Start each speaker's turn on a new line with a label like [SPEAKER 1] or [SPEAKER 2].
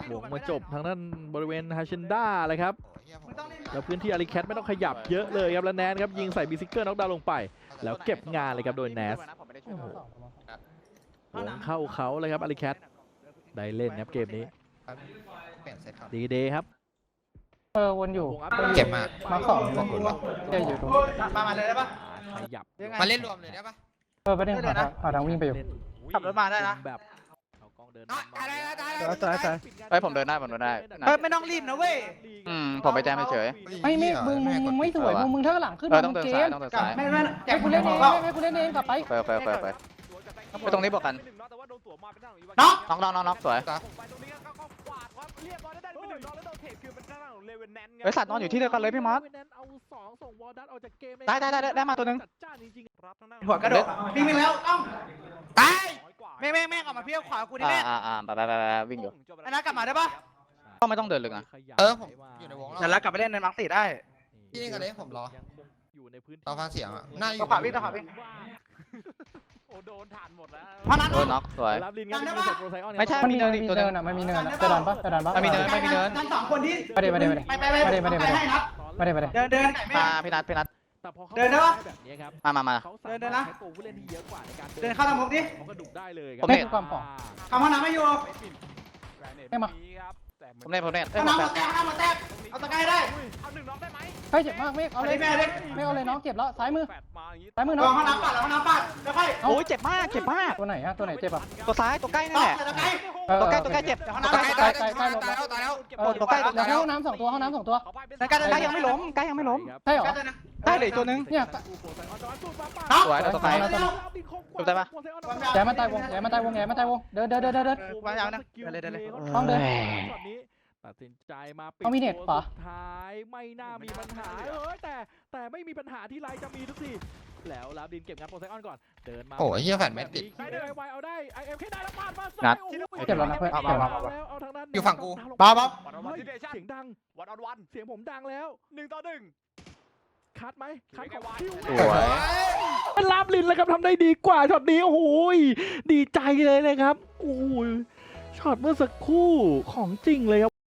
[SPEAKER 1] วงมาจบทางด้านบริเวณฮาเชนด้าเลยครับแล้วพื้นที่อาริแคทไม่ต้องขยับเยอะเลยครับแล้วแนนครับยิงใส่บิซิกเกอร์น็อกดาวน์ลงไปแล้วเก็บงานเลยครับโดยแนสโอ้โหวงเข้าเขาเลยครับอาริแคทได้เล่นครับเกมนี้ดีเดย์ครับ
[SPEAKER 2] วนอยู่
[SPEAKER 3] เก็บมาก
[SPEAKER 2] มาของ
[SPEAKER 3] บอกคุณว่า
[SPEAKER 2] เจ๊อยู่ตรง
[SPEAKER 4] มาเลยได้ปะ
[SPEAKER 1] ขยับ
[SPEAKER 3] มาเล่นรวมเลยได้ปะ
[SPEAKER 2] ประเด็นหาทางวิ่งไปอยู่
[SPEAKER 4] ขับรถมาได้นะ
[SPEAKER 1] แบบเอากล้องเดิน
[SPEAKER 2] ตาย
[SPEAKER 5] เฮ้ยผมเดินได้ผมเดินได้
[SPEAKER 4] เฮ้ยไม่ต้องรีบนะเว้ย
[SPEAKER 5] ผมไปแจมเฉย
[SPEAKER 2] ไม่มึงไม่สวยมึงถ้าหลังขึ้น
[SPEAKER 5] ต้องเดิน
[SPEAKER 2] เก
[SPEAKER 5] ซ้าย
[SPEAKER 2] ม
[SPEAKER 5] ต้องเดินซ้าย
[SPEAKER 4] ไม่
[SPEAKER 2] ให้กูเล่นเองให้กูเล่นเองกลับไป
[SPEAKER 5] ไปไปตรงนี้บอกกัน
[SPEAKER 4] น้อง
[SPEAKER 5] น้องสวยเฮ้ยสัตว์นอนอยู่ที่เดียวกันเลยพี่มอสได้มาตัวนึง
[SPEAKER 4] หัวกระโดดวิ่งแล้วต้องตายแม่งออกมาเพี้ยวขวากูดิแม่
[SPEAKER 5] ไปวิ่งอยู่
[SPEAKER 4] ไอ้นัทกลับมาได้ปะ
[SPEAKER 5] ก็ไม่ต้องเดินลึกนะ
[SPEAKER 3] ผมอยู่ในวง
[SPEAKER 4] เดี๋ยวแล้วกลับไปเล่นในมังสีได้
[SPEAKER 3] พี่นี่กันเลยผมรอ
[SPEAKER 1] อยู่ในพื้นที่
[SPEAKER 3] รอฟังเสียงอ่ะน่าอยู่
[SPEAKER 4] ต้องขวาวิ่ง
[SPEAKER 1] โอ้โดนผ่านหมดแล้ว
[SPEAKER 4] เพราะนั้น
[SPEAKER 5] โดนน็อกสวย
[SPEAKER 1] รับลินครับมีเสร็จโปรไซออน
[SPEAKER 5] ไม่ใช่
[SPEAKER 2] มันมีเนินอ่ะมันมีเนินจะดันปะจะดันปะ
[SPEAKER 5] ไม่มีเนิน
[SPEAKER 4] ทั้งสองคนที่
[SPEAKER 2] ไปให้นัด
[SPEAKER 4] เดิน
[SPEAKER 5] มาพี่นัท
[SPEAKER 1] แต่พอเขา
[SPEAKER 4] เดินได้ปะ
[SPEAKER 1] แบบนี้ครับ
[SPEAKER 5] มา
[SPEAKER 1] เขาสามารถใช้ตัวผู้เล่นที่เยอะกว่าในการ
[SPEAKER 4] เดินเข้าทางมุมดิ
[SPEAKER 1] เขาก็ดุได้เลยครั
[SPEAKER 5] ผม
[SPEAKER 2] ไม่
[SPEAKER 5] เน็ต
[SPEAKER 2] คือความของ
[SPEAKER 4] ทำห้องน้ำไม่อยู่
[SPEAKER 2] ให้มา
[SPEAKER 5] ผมเน็ต
[SPEAKER 4] ห้องน้ำมาแตกห้องน้ำมาแตกเอาตะไคร้ได้
[SPEAKER 1] เอาหนึ่งน็อกได้ไหม
[SPEAKER 2] เฮ้ยเจ็บมากไม่เอาเลยไม่เอาเลยน้องเจ็บแล้วซ้ายมือ
[SPEAKER 1] แปดมาอย่างนี้
[SPEAKER 2] ซ้ายมือ
[SPEAKER 4] ล
[SPEAKER 2] น้อ
[SPEAKER 4] อง
[SPEAKER 2] ง
[SPEAKER 4] ห้องน้ำปัดแล้วห้องน้ำปัดแล้วค่อย
[SPEAKER 5] โอ้ยเจ็บมาก
[SPEAKER 2] ตัวไหนอะตัวไหนเจ็บอ่ะ
[SPEAKER 5] ตัวซ้ายตัวใกล้นั่นแหละ
[SPEAKER 4] ตะไคร้
[SPEAKER 5] ตัวใกล้เจ็บ
[SPEAKER 4] ห้อง
[SPEAKER 3] ตาย
[SPEAKER 4] น้ำ
[SPEAKER 3] ตายตายตายแล้ว
[SPEAKER 5] ตัวใกล้
[SPEAKER 2] เดี๋ยวห้องน้ำ2 ตัวห้องน้ำ2 ตัว
[SPEAKER 5] ใกล้ยังไม่ล้มใกล้ยังไม่ล้ม
[SPEAKER 2] ใช่หรอ
[SPEAKER 5] ใกล้เลยตัวนึง
[SPEAKER 2] เนี่ย
[SPEAKER 5] สวยตัวซ้ายจบได้ปะ
[SPEAKER 2] แย่มาตายวงเดิน
[SPEAKER 4] วางยาวนะเดินเลย
[SPEAKER 2] ต้องเดิน
[SPEAKER 1] ตัดสินใจมาปิด
[SPEAKER 2] เอามีเน็ตปะ
[SPEAKER 1] สุดท้ายไม่น่ามีปัญหาแต่ไม่มีปัญหาที่ไรจะมีทุกทีแล้วลาดินเก็บงานโปรไซออนก่อนเดินมา
[SPEAKER 3] โอ้ยเฮียแฟนไม่ติด
[SPEAKER 1] ได้ไวเอาได้ไอเอ็มแค่ได้แล้วปาดมา
[SPEAKER 5] งัด
[SPEAKER 2] เจ็บแล้วนะเพื่อน
[SPEAKER 1] เอาเอาทางด้าน
[SPEAKER 3] อยู่ฝั่งกู
[SPEAKER 4] บ้า
[SPEAKER 1] เสียงดังวันเสียงผมดังแล้ว1-1คัดไหมคัดของคิว
[SPEAKER 5] สวย
[SPEAKER 1] เป็นลาบลินแล้วครับทำได้ดีกว่าช็อตนี้โอ้โหดีใจเลยนะครับโอ้โหช็อตเมื่อสักครู่ของจริงเลยครับ